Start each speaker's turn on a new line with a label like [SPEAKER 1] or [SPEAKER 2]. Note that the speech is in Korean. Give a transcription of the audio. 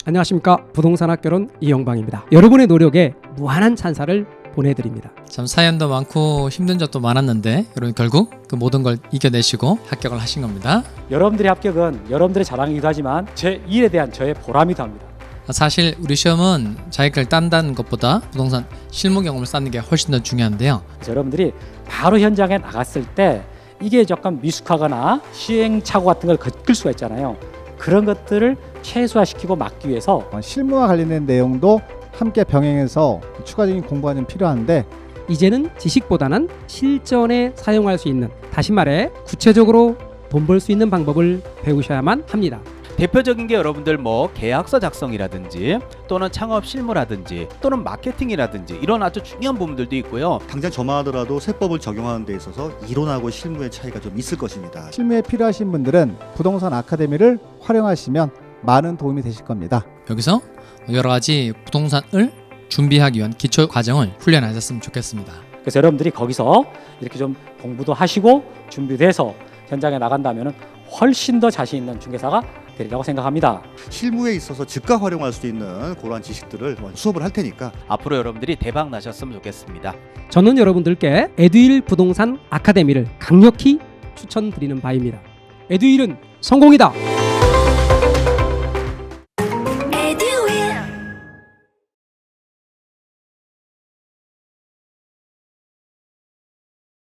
[SPEAKER 1] 안녕하십니까. 부동산 학교론 이영방입니다. 여러분의 노력에 무한한 찬사를 보내드립니다.
[SPEAKER 2] 참 사연도 많고 힘든 적도 많았는데 여러분 결국 그 모든 걸 이겨내시고 합격을 하신 겁니다.
[SPEAKER 3] 여러분들의 합격은 여러분들의 자랑이기도 하지만 제 일에 대한 저의 보람이기도 합니다.
[SPEAKER 2] 사실 우리 시험은 자격을 딴다는 것보다 부동산 실무 경험을 쌓는 게 훨씬 더 중요한데요.
[SPEAKER 3] 그래서 여러분들이 바로 현장에 나갔을 때 이게 약간 미숙하거나 시행착오 같은 걸 겪을 수가 있잖아요. 그런 것들을 최소화시키고 막기 위해서
[SPEAKER 4] 실무와 관련된 내용도 함께 병행해서 추가적인 공부가 좀 필요한데,
[SPEAKER 1] 이제는 지식보다는 실전에 사용할 수 있는, 다시 말해 구체적으로 돈 벌 수 있는 방법을 배우셔야만 합니다.
[SPEAKER 5] 대표적인 게 여러분들 계약서 작성이라든지 또는 창업 실무라든지 또는 마케팅이라든지 이런 아주 중요한 부분들도 있고요.
[SPEAKER 6] 당장 저만 하더라도 세법을 적용하는 데 있어서 이론하고 실무의 차이가 좀 있을 것입니다.
[SPEAKER 4] 실무에 필요하신 분들은 부동산 아카데미를 활용하시면 많은 도움이 되실 겁니다.
[SPEAKER 2] 여기서 여러 가지 부동산을 준비하기 위한 기초 과정을 훈련하셨으면 좋겠습니다.
[SPEAKER 3] 그래서 여러분들이 거기서 이렇게 좀 공부도 하시고 준비돼서 현장에 나간다면 훨씬 더 자신 있는 중개사가 되리라고 생각합니다.
[SPEAKER 6] 실무에 있어서 즉각 활용할 수 있는 그러한 지식들을 수업을 할 테니까
[SPEAKER 5] 앞으로 여러분들이 대박 나셨으면 좋겠습니다.
[SPEAKER 1] 저는 여러분들께 에듀윌 부동산 아카데미를 강력히 추천드리는 바입니다. 에듀윌은 성공이다.